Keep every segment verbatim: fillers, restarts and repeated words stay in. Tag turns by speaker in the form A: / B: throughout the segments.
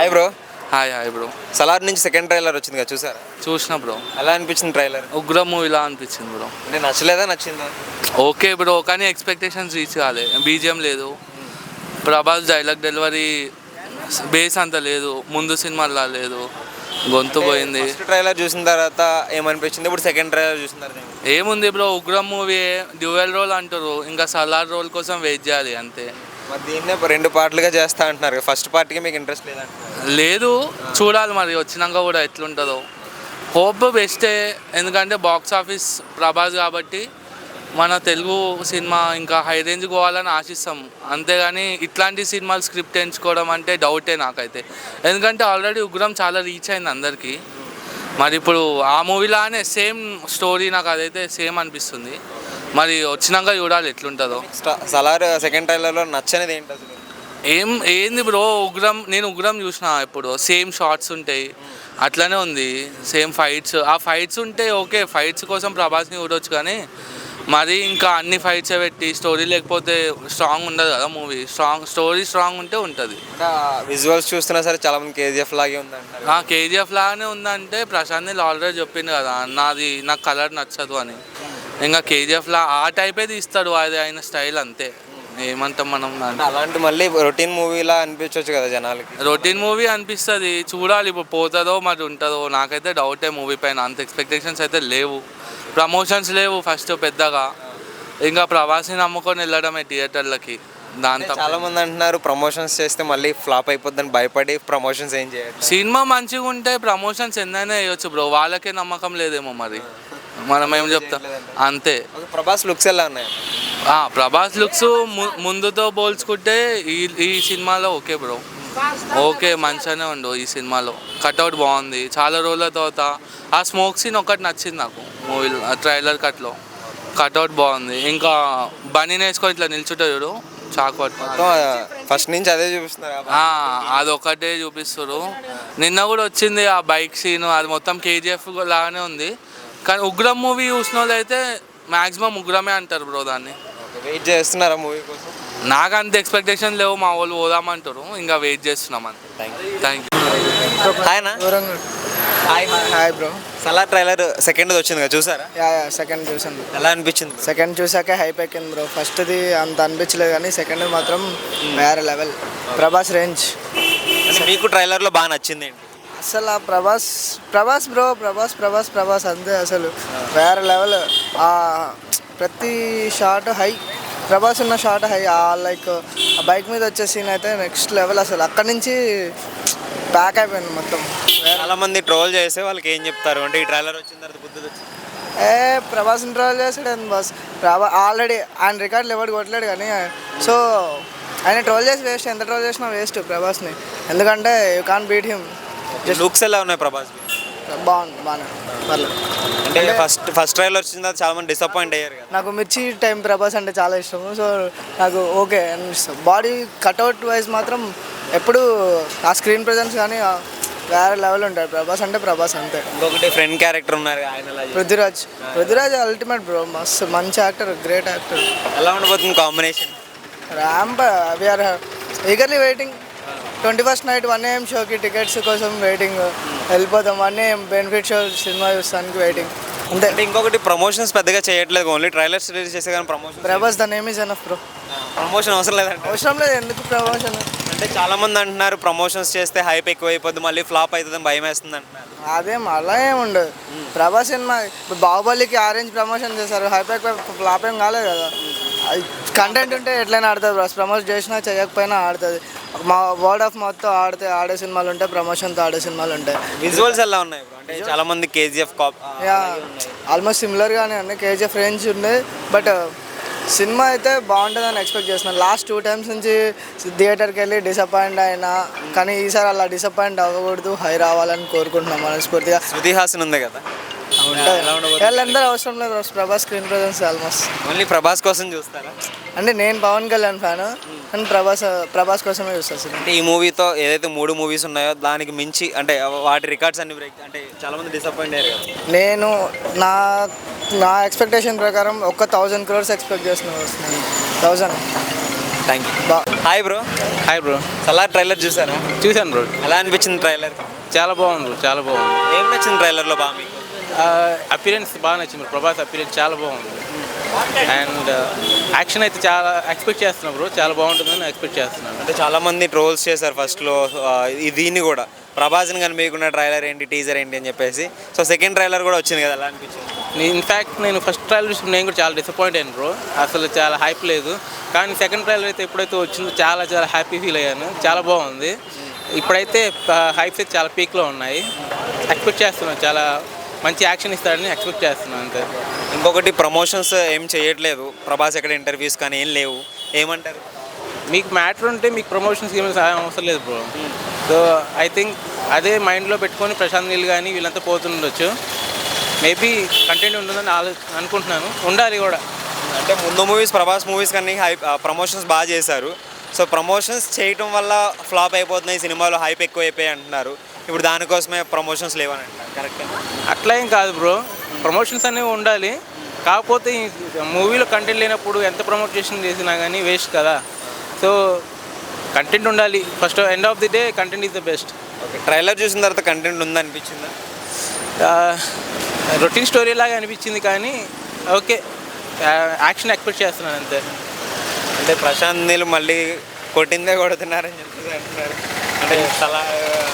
A: Hi bro.
B: Hi hi bro.
A: Salaar నుంచి second trailer వచ్చింది కదా, చూసారా?
B: చూసిన బ్రో.
A: ఎలా అనిపించింది ట్రైలర్?
B: ఉగ్ర మూవీలా అనిపించింది బ్రో.
A: అంటే నచ్చలేదా నచ్చిందా?
B: ఓకే బ్రో, కానీ ఎక్స్పెక్టేషన్స్ రీచ్ కాలే. బీజిఎం లేదు, ప్రభాస్ డైలాగ్ డెలివరీ బేస్ అంత లేదు, ముందు సినిమాలా లేదు, గొంతు పోయింది.
A: ట్రైలర్ చూసిన తర్వాత ఏమనిపించింది? ఇప్పుడు సెకండ్ ట్రైలర్ చూసిన తర్వాత
B: ఏముంది bro, Ugramm movie dual role అంటారు, ఇంకా సలార్ రోల్ కోసం వెయిట్ చేయాలి అంతే.
A: మరి దీన్నే రెండు పార్ట్లుగా చేస్తా అంటున్నారు. ఫస్ట్ పార్ట్కి మీకు ఇంట్రెస్ట్ లేదంటున్నారు.
B: లేదు, చూడాలి మరి వచ్చినాక కూడా ఎట్లుంటుందో. హోప్ బెస్టే, ఎందుకంటే బాక్స్ ఆఫీస్ ప్రభాస్ కాబట్టి మన తెలుగు సినిమా ఇంకా హై రేంజ్ పోవాలని ఆశిస్తాం. అంతేగాని ఇట్లాంటి సినిమాలు స్క్రిప్ట్ ఎంచుకోవడం అంటే డౌటే నాకైతే. ఎందుకంటే ఆల్రెడీ ఉగ్రం చాలా రీచ్ అయింది అందరికీ. మరి ఇప్పుడు ఆ మూవీలానే సేమ్ స్టోరీ నాకు అదైతే సేమ్ అనిపిస్తుంది. మరి వచ్చినాక చూడాలి ఎట్లుంటుందో.
A: సలార్ సెకండ్ ట్రైలర్లో నచ్చనిది ఏంటి అసలు?
B: ఏం ఏంది బ్రో, ఉగ్రం నేను ఉగ్రం చూసిన, ఇప్పుడు సేమ్ షార్ట్స్ ఉంటాయి, అట్లనే ఉంది, సేమ్ ఫైట్స్. ఆ ఫైట్స్ ఉంటే ఓకే, ఫైట్స్ కోసం ప్రభాస్ని చూడవచ్చు, కానీ మరి ఇంకా అన్ని ఫైట్స్ పెట్టి స్టోరీ లేకపోతే స్ట్రాంగ్ ఉండదు కదా మూవీ. స్ట్రాంగ్ స్టోరీ స్ట్రాంగ్ ఉంటే ఉంటుంది.
A: విజువల్స్ చూస్తున్నా సరే చాలా మంది కేజీఎఫ్ లాగే ఉందంట.
B: కేజీఎఫ్ లాగానే ఉందంటే ప్రశాంత్ నీళ్ళు ఆల్రెడీ చెప్పింది కదా, నాది నాకు కలర్ నచ్చదు అని. ఇంకా కేజీఎఫ్లా ఆ టైపే తీస్తాడు, అది ఆయన స్టైల్ అంతే. ఏమంటాం మనం?
A: అలాంటి మళ్ళీ రొటీన్ మూవీలా అనిపించవచ్చు కదా జనాలకి.
B: రొటీన్ మూవీ అనిపిస్తుంది, చూడాలి ఇప్పుడు పోతుందో మరి ఉంటుందో. నాకైతే డౌటే మూవీ పైన, అంత ఎక్స్పెక్టేషన్స్ అయితే లేవు. ప్రమోషన్స్ లేవు ఫస్ట్ పెద్దగా, ఇంకా ప్రభాస్ని నమ్ముకొని వెళ్ళడమే థియేటర్లకి. దాంతో
A: చాలా మంది అంటున్నారు ప్రమోషన్స్ చేస్తే మళ్ళీ ఫ్లాప్ అయిపోద్దని భయపడి ప్రమోషన్స్ ఏం చేయాలి.
B: సినిమా మంచిగా ఉంటే ప్రమోషన్స్ ఎందైనా వేయచ్చు బ్రో, వాళ్ళకే నమ్మకం లేదేమో మరి, మనం ఏం చెప్తాం అంతే.
A: ప్రభాస్ లుక్స్ ఎలా ఉన్నాయి?
B: ప్రభాస్ లుక్స్ ముందుతో పోల్చుకుంటే ఈ ఈ సినిమాలో ఓకే బ్రో, ఓకే మంచిగానే ఉండు. ఈ సినిమాలో కట్అవుట్ బాగుంది, చాలా రోజుల తర్వాత ఆ స్మోక్ సీన్ ఒకటి నచ్చింది నాకు మూవీలో. ట్రైలర్ కట్లో కట్అవుట్ బాగుంది. ఇంకా బనీని వేసుకొని ఇట్లా నిల్చుంటే చూడు, చాకు పట్టుకో,
A: ఫస్ట్ నుంచి అదే చూపిస్తున్నారు.
B: అదొకటే చూపిస్తారు. నిన్న కూడా వచ్చింది ఆ బైక్ సీన్, అది మొత్తం కేజీఎఫ్ లాగానే ఉంది. కానీ ఉగ్రం మూవీ చూసిన వాళ్ళు అయితే మ్యాక్సిమం ఉగ్రమే అంటారు బ్రో దాన్ని.
A: వెయిట్ చేస్తున్నారా మూవీ కోసం?
B: నాకు అంత ఎక్స్పెక్టేషన్ లేవు, మా వాళ్ళు పోదామంటారు, ఇంకా వెయిట్ చేస్తున్నాం అంతే. Thank you.
A: Hi
C: hi bro.
A: Salaar trailer second వచ్చింది కదా, చూసారా?
C: యా యా సెకండ్ చూసాను.
A: ఎలా అనిపించింది?
C: సెకండ్ చూసాక హైప్ ఎక్కింది బ్రో. ఫస్ట్ది అంత అనిపించలేదు, కానీ సెకండ్ మాత్రం వేరే లెవెల్. ప్రభాస్ రేంజ్.
A: మీకు ట్రైలర్లో బాగా నచ్చింది ఏంటి
C: అసలు? ఆ ప్రభాస్ ప్రభాస్ బ్రో, ప్రభాస్ ప్రభాస్ ప్రభాస్ అంతే అసలు వేరే లెవెల్. ప్రతి షాట్ హై, ప్రభాస్ ఉన్న షాట్ హై. లైక్ ఆ బైక్ మీద వచ్చే సీన్ అయితే నెక్స్ట్ లెవెల్ అసలు. అక్కడి నుంచి బ్యాక్ అయిపోయింది మొత్తం.
A: చాలా మంది ట్రోల్ చేసే వాళ్ళకి ఏం చెప్తారు అంటే ఈ ట్రైలర్ వచ్చిన తర్వాత బుద్ధి వచ్చింది?
C: ఏ ప్రభాస్ని ట్రోల్ చేసాడు బాస్. ప్రభా ఆల్రెడీ ఆయన రికార్డులు ఎవరు కొట్టలేడు, కానీ సో ఆయన ట్రోల్ చేసి వేస్ట్. ఎంత ట్రోల్ చేసినా వేస్ట్ ప్రభాస్ని, ఎందుకంటే you can't beat him.
A: Looks ఎలా ఉన్నాయి ప్రభాస్?
C: బాగుంది, బాగానే పర్లేదు.
A: అంటే ఫస్ట్ ఫస్ట్ ట్రైలర్ వచ్చిన తర్వాత చాలా మంది డిసప్పాయింట్ అయ్యారు కదా.
C: నాకు మిర్చి టైం ప్రభాస్ అంటే చాలా ఇష్టము, సో నాకు ఓకే అనిపిస్తుంది. బాడీ కట్అవుట్ వైజ్ మాత్రం ఎప్పుడు ఆ స్క్రీన్ ప్రెజెన్స్ కానీ వేరే లెవెల్ ఉంటాడు ప్రభాస్ అంటే ప్రభాస్ అంతే.
A: ఇంకొకటి ఫ్రెండ్ క్యారెక్టర్ ఉన్నారు ఆయన,
C: పృథ్వీరాజ్. పృథ్వీరాజ్ అల్టిమేట్ బ్రో, మస్తు మంచి యాక్టర్, గ్రేట్ యాక్టర్.
A: ఎలా ఉండబోతుంది combination?
C: Ramp. We're eagerly waiting. Twenty first night one AM షోకి టికెట్స్ కోసం వెయిటింగ్. వెళ్ళిపోతాం one AM benefit show cinema చూస్తానికి వెయిటింగ్ అంతే.
A: అంటే ఇంకొకటి ప్రమోషన్స్ పెద్దగా చేయట్లేదు, ఓన్లీ ట్రైలర్స్ రిలీజ్ చేసే కానీ promotion.
C: Prabhas the name is enough bro.
A: Promotion అవసరం లేదంటే?
C: అవసరం లేదు, ఎందుకు ప్రమోషన్?
A: అంటే చాలా మంది అంటున్నారు ప్రమోషన్స్ చేస్తే హైప్ ఎక్కువ అయిపోద్ది, మళ్ళీ ఫ్లాప్ అవుతుందని భయం వేస్తుంది అంటున్నారు.
C: అదేం అలా ఏమి ఉండదు. ప్రభాస్ సినిమా ఇప్పుడు బాహుబలికి ఆరెంజ్ ప్రమోషన్ చేశారు, హైప్ ఎక్కువ ఫ్లాప్ ఏం కాలేదు కదా. కంటెంట్ ఉంటే ఎట్లయినా ఆడుతుంది బ్రో, ప్రమోట్ చేసినా చేయకపోయినా ఆడుతుంది. మా వర్డ్ ఆఫ్ మౌత్తో ఆడితే ఆడే సినిమాలు ఉంటాయి, ప్రమోషన్తో ఆడే సినిమాలు ఉంటాయి.
A: విజువల్స్ ఎలా ఉన్నాయి అంటే చాలా మంది కేజీఎఫ్ కాప్
C: ఆల్మోస్ట్ సిమిలర్గానే ఉన్నాయి, కేజీఎఫ్ రేంజ్ ఉంది. బట్ సినిమా అయితే బాగుంటుందని ఎక్స్పెక్ట్ చేస్తున్నాను. లాస్ట్ టూ టైమ్స్ నుంచి థియేటర్కి వెళ్ళి డిసప్పాయింట్ అయినా, కానీ ఈసారి అలా డిసప్పాయింట్ అవ్వకూడదు, హై రావాలని కోరుకుంటున్నాం మనస్ఫూర్తిగా.
A: శృతి హాసన్ ఉంది కదా,
C: వీళ్ళందరూ అవసరం లేదు Prabhas screen presence almost.
A: Only Prabhas కోసం చూస్తారా?
C: అంటే నేను పవన్ కళ్యాణ్ ఫ్యాను, అండ్ ప్రభాస్ ప్రభాస్ కోసమే చూస్తాను.
A: అంటే ఈ మూవీతో ఏదైతే మూడు మూవీస్ ఉన్నాయో దానికి మించి అంటే వాటి రికార్డ్స్ అన్ని బ్రేక్, అంటే చాలా మంది డిసప్పాయింట్ అయ్యారు కదా.
C: నేను నా నా ఎక్స్పెక్టేషన్ ప్రకారం ఒక థౌజండ్ క్రోర్స్ ఎక్స్పెక్ట్ చేస్తున్నాను. థౌజండ్.
A: Thank you.
C: బా
A: hi bro.
D: Hi bro.
A: Salaar trailer చూసారా?
D: చూశాను బ్రో.
A: ఎలా అనిపించింది ట్రైలర్?
D: చాలా బాగుంది బ్రో, చాలా బాగుంది.
A: ఏం నచ్చింది ట్రైలర్లో బాగా మీకు?
D: అపీరెన్స్ బాగా నచ్చింది బ్రో. ప్రభాస్ అపీరెన్స్ చాలా బాగుంది. అండ్ యాక్షన్ అయితే చాలా ఎక్స్పెక్ట్ చేస్తున్నాను బ్రో. చాలా బాగుంటుందని ఎక్స్పెక్ట్ చేస్తున్నాను.
A: అంటే చాలా మంది ట్రోల్స్ చేశారు ఫస్ట్లో దీన్ని కూడా, ప్రభాస్ని కనిపించకుండా ట్రైలర్ ఏంటి, టీజర్ ఏంటి అని చెప్పేసి. సో సెకండ్ ట్రైలర్ కూడా వచ్చింది కదా, ఎలా అనిపించింది?
D: ఇన్ఫ్యాక్ట్ నేను ఫస్ట్ ట్రైలర్ చూసి నేను కూడా చాలా డిసప్పాయింట్ అయ్యాను బ్రో. అసలు చాలా హైప్ లేదు. కానీ సెకండ్ ట్రైలర్ అయితే ఎప్పుడైతే వచ్చిందో చాలా చాలా హ్యాపీ ఫీల్ అయ్యాను. చాలా బాగుంది. ఇప్పుడైతే హైప్స్ అయితే చాలా పీక్లో ఉన్నాయి. ఎక్స్పెక్ట్ చేస్తున్నాను చాలా మంచి యాక్షన్ ఇస్తాడని ఎక్స్పెక్ట్ చేస్తున్నాను అంతే.
A: ఇంకొకటి ప్రమోషన్స్ ఏం చేయట్లేదు ప్రభాస్, ఎక్కడ ఇంటర్వ్యూస్ కానీ ఏం లేవు, ఏమంటారు?
D: మీకు మ్యాటర్ ఉంటే మీకు ప్రమోషన్స్ ఏమైనా సహాయం అవసరం లేదు బ్రో. సో ఐ థింక్ అదే మైండ్లో పెట్టుకొని ప్రశాంత్ నీల్ కానీ వీళ్ళంతా పోతుండొచ్చు. మేబీ కంటెంట్ ఉంటుందని ఆలో అనుకుంటున్నాను. ఉండాలి కూడా.
A: అంటే ముందు మూవీస్ ప్రభాస్ మూవీస్ కానీ హైప్ ప్రమోషన్స్ బాగా చేశారు. సో ప్రమోషన్స్ చేయటం వల్ల ఫ్లాప్ అయిపోతున్నాయి సినిమాలో, హైప్ ఎక్కువ అయిపోయి అంటున్నారు. ఇప్పుడు దానికోసమే ప్రమోషన్స్ లేవని అంటారు. కరెక్ట్?
D: అట్లా ఏం కాదు బ్రో. ప్రమోషన్స్ అనేవి ఉండాలి. కాకపోతే మూవీలో కంటెంట్ లేనప్పుడు ఎంత ప్రమోషన్ చేసినా కానీ వేస్ట్ కదా. సో కంటెంట్ ఉండాలి. First end of the day content is the best.
A: Okay, trailer చూసిన తర్వాత కంటెంట్ ఉందనిపించిందా?
D: రొటీన్ స్టోరీ లాగా అనిపించింది కానీ ఓకే, యాక్షన్ ఎక్స్పెక్ట్ చేస్తున్నాను అంతే.
A: అంటే ప్రశాంత్ నీళ్ళు మళ్ళీ కొట్టిందే కొడుతున్నారని చెప్పేసి అంటున్నారు. అంటే చాలా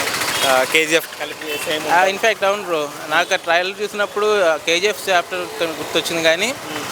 A: కేజీఎఫ్ కలిపి సేమ్.
D: ఇన్ఫ్యాక్ట్ అవును బ్రో. నాకు ఆ ట్రైలర్ చూసినప్పుడు కేజీఎఫ్ చాప్టర్ గుర్తొచ్చింది కానీ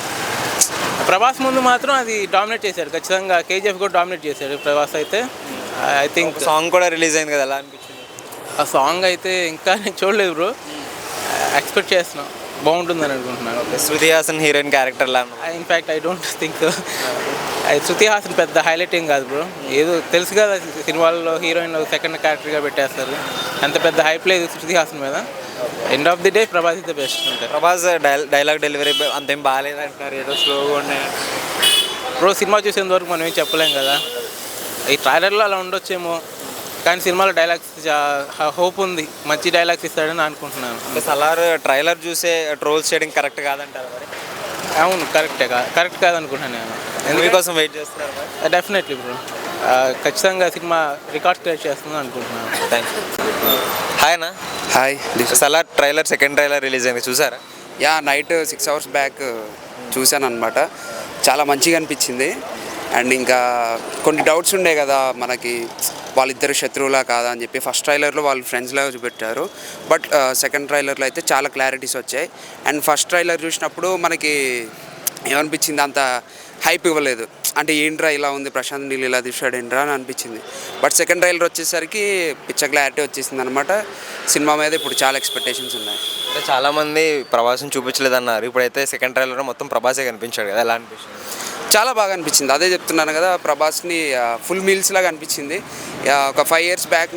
D: ప్రభాస్ ముందు మాత్రం అది డామినేట్ చేశాడు. ఖచ్చితంగా కేజీఎఫ్ కూడా డామినేట్ చేశాడు ప్రభాస్ అయితే. ఐ థింక్
A: సాంగ్ కూడా రిలీజ్ అయింది కదా, ఎలా అనిపించింది?
D: ఆ సాంగ్ అయితే ఇంకా నేను చూడలేదు బ్రో. ఎక్స్పెక్ట్ చేస్తున్నాం బాగుంటుందని అనుకుంటున్నాను.
A: శృతి హాసన్ హీరోయిన్ క్యారెక్టర్లా?
D: ఇన్ఫ్యాక్ట్ ఐ డోంట్ థింక్ అది శృతి హాసన్ పెద్ద హైలైట్ ఏం కాదు బ్రో. ఏదో తెలుసు కదా సినిమాల్లో హీరోయిన్ సెకండ్ క్యారెక్టర్గా పెట్టేస్తారు. అంత పెద్ద హైప్ లేదు శృతి హాసన్ మీద. End of the day Prabhas is the best అంటే.
A: ప్రభాస్ డైలాగ్ డెలివరీ అంతేం బాగాలేదు అంటున్నారు, ఏదో స్లోగా ఉన్నాయి
D: బ్రో. సినిమా చూసేంత వరకు మనం ఏం చెప్పలేం కదా. ఈ ట్రైలర్లో అలా ఉండొచ్చేమో కానీ సినిమాలో డైలాగ్స్ హోప్ ఉంది, మంచి డైలాగ్స్ ఇస్తాడని అనుకుంటున్నాను.
A: అంటే సలార్ ట్రైలర్ చూసే ట్రోల్స్ చేయడం కరెక్ట్ కాదంటారు మరి?
D: అవును, కరెక్టే కాదు కరెక్ట్ కాదనుకుంటున్నాను నేను.
A: ఎందుకు కోసం వెయిట్ చేస్తున్నారు మరి?
D: Definitely bro. ఖచ్చితంగా సినిమా రికార్డ్ క్రియేట్ చేస్తుందని అనుకుంటున్నాను.
A: Thank you. హాయ్ అన్న.
E: Hi.
A: Salaar trailer second trailer release అయింది, చూసారా?
E: Yeah, night six hours back చూశాను అనమాట. చాలా మంచిగా అనిపించింది. అండ్ ఇంకా కొన్ని డౌట్స్ ఉండే కదా మనకి, వాళ్ళిద్దరు శత్రువులా కాదా అని చెప్పి. ఫస్ట్ ట్రైలర్లో వాళ్ళు ఫ్రెండ్స్లాగా చూపెట్టారు. బట్ సెకండ్ ట్రైలర్లో అయితే చాలా క్లారిటీస్ వచ్చాయి. అండ్ ఫస్ట్ ట్రైలర్ చూసినప్పుడు మనకి ఏమనిపించింది, అంత హైప్ ఇవ్వలేదు. అంటే ఏంట్రా ఇలా ఉంది, ప్రశాంత్ నీళ్ళు ఇలా తీసాడు ఏంట్రా అని అనిపించింది. బట్ సెకండ్ ట్రైలర్ వచ్చేసరికి పిచ్చ క్లారిటీ వచ్చేసింది అనమాట. సినిమా మీద ఇప్పుడు చాలా ఎక్స్పెక్టేషన్స్ ఉన్నాయి.
A: అంటే చాలామంది ప్రభాస్ని చూపించలేదన్నారు, ఇప్పుడైతే సెకండ్ ట్రైలర్లో మొత్తం ప్రభాసే కనిపించాడు కదా, ఎలా అనిపించింది?
E: చాలా బాగా అనిపించింది. అదే చెప్తున్నాను కదా, ప్రభాస్ని ఫుల్ మీల్స్ లాగా అనిపించింది. ఒక ఫైవ్ ఇయర్స్ బ్యాక్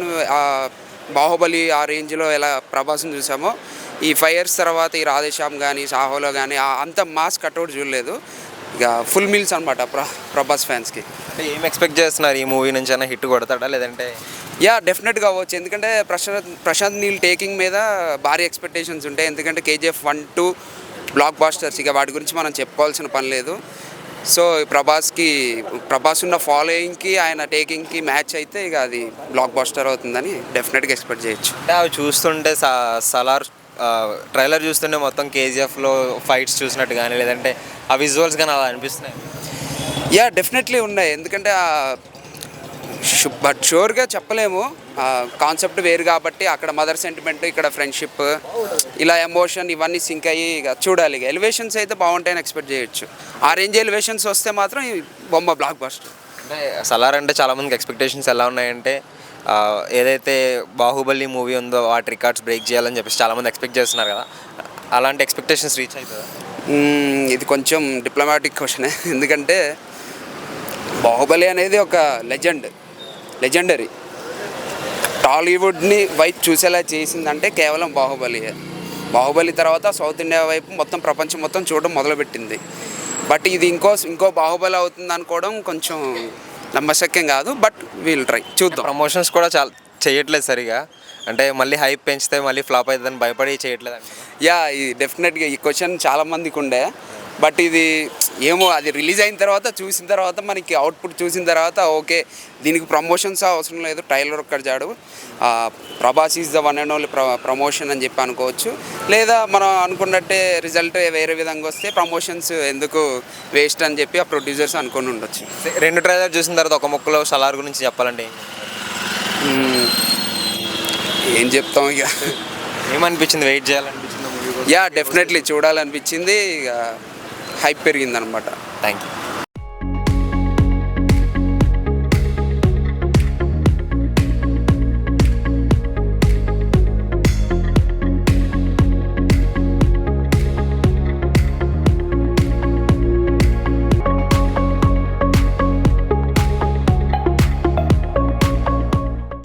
E: బాహుబలి ఆ రేంజ్లో ఎలా ప్రభాస్ని చూసామో, ఈ ఫైవ్ ఇయర్స్ తర్వాత ఈ రాధేశ్యామ్ కానీ సాహోలో కానీ అంత మాస్ కట్అవుట్ చూడలేదు. ఇక ఫుల్ మీల్స్ అనమాట ప్ర ప్రభాస్ ఫ్యాన్స్కి.
A: అంటే ఏం ఎక్స్పెక్ట్ చేస్తున్నారు ఈ మూవీ నుంచి? అయినా హిట్ కొడతాడా లేదంటే?
E: యా, డెఫినెట్గా అవ్వచ్చు. ఎందుకంటే ప్రశాంత్ ప్రశాంత్ నీల్ టేకింగ్ మీద భారీ ఎక్స్పెక్టేషన్స్ ఉంటాయి. ఎందుకంటే KGF one two blockbusters, ఇక వాటి గురించి మనం చెప్పుకోవాల్సిన పని లేదు. సో ప్రభాస్కి ప్రభాస్ ఉన్న ఫాలోయింగ్కి ఆయన టేకింగ్కి మ్యాచ్ అయితే ఇక అది బ్లాక్ బాస్టర్ అవుతుందని డెఫినెట్గా ఎక్స్పెక్ట్ చేయొచ్చు.
A: అంటే అవి చూస్తుంటే సలార్ ట్రైలర్ చూస్తుంటే మొత్తం కేజీఎఫ్లో ఫైట్స్ చూసినట్టు కానీ లేదంటే ఆ విజువల్స్ కానీ అలా అనిపిస్తున్నాయి.
E: యా, డెఫినెట్లీ ఉన్నాయి. ఎందుకంటే బట్ షూర్గా చెప్పలేము, కాన్సెప్ట్ వేరు కాబట్టి. అక్కడ మదర్ సెంటిమెంట్, ఇక్కడ ఫ్రెండ్షిప్, ఇలా ఎమోషన్ ఇవన్నీ సింక్ అయ్యి ఇక చూడాలి. ఇక ఎలివేషన్స్ అయితే బాగుంటాయని ఎక్స్పెక్ట్ చేయొచ్చు. ఆ రేంజ్ ఎలివేషన్స్ వస్తే మాత్రం ఈ బొమ్మ బ్లాక్ బస్టర్.
A: అంటే సలార్ అంటే చాలామందికి ఎక్స్పెక్టేషన్స్ ఎలా ఉన్నాయంటే, ఏదైతే బాహుబలి మూవీ ఉందో వాటి రికార్డ్స్ బ్రేక్ చేయాలని చెప్పేసి చాలామంది ఎక్స్పెక్ట్ చేస్తున్నారు కదా, అలాంటి ఎక్స్పెక్టేషన్స్ రీచ్ అవుతుందా?
E: ఇది కొంచెం డిప్లొమాటిక్ క్వశ్చనే. ఎందుకంటే బాహుబలి అనేది ఒక లెజెండ్ లెజెండరీ టాలీవుడ్ని వైపు చూసేలా చేసిందంటే కేవలం బాహుబలి. బాహుబలి తర్వాత సౌత్ ఇండియా వైపు మొత్తం ప్రపంచం మొత్తం చూడడం మొదలుపెట్టింది. బట్ ఇది ఇంకో ఇంకో బాహుబలి అవుతుంది అనుకోవడం కొంచెం నమ్మశక్యం కాదు. బట్ వీల్ ట్రై, చూద్దాం.
A: ప్రమోషన్స్ కూడా చాలా చేయట్లేదు సరిగా, అంటే మళ్ళీ హైప్ పెంచితే మళ్ళీ ఫ్లాప్ అవుతుందని భయపడి చేయట్లేదు అంటే.
E: యా, ఈ డెఫినెట్గా ఈ క్వశ్చన్ చాలామందికి ఉండే. బట్ ఇది ఏమో అది రిలీజ్ అయిన తర్వాత చూసిన తర్వాత మనకి అవుట్పుట్ చూసిన తర్వాత ఓకే దీనికి ప్రమోషన్స్ అవసరం లేదు, ట్రైలర్ ఒక్కటి చాడు, Prabhas is the one and only ప్ర ప్రమోషన్ అని చెప్పి అనుకోవచ్చు. లేదా మనం అనుకున్నట్టే రిజల్ట్ వేరే విధంగా వస్తే ప్రమోషన్స్ ఎందుకు వేస్ట్ అని చెప్పి ఆ ప్రొడ్యూసర్స్ అనుకుని ఉండొచ్చు.
A: రెండు ట్రైలర్ చూసిన తర్వాత ఒక ముక్కలో సలార్ గురించి చెప్పాలంటే
E: మ్మ్. ఏం చెప్తాం ఇక.
A: ఏమనిపించింది? వెయిట్ చేయాలనిపించింది మూవీ కోసం?
E: యా డెఫినెట్లీ చూడాలనిపించింది. ఇక హైప్ పెరిగిందనమాట.
A: Thank you.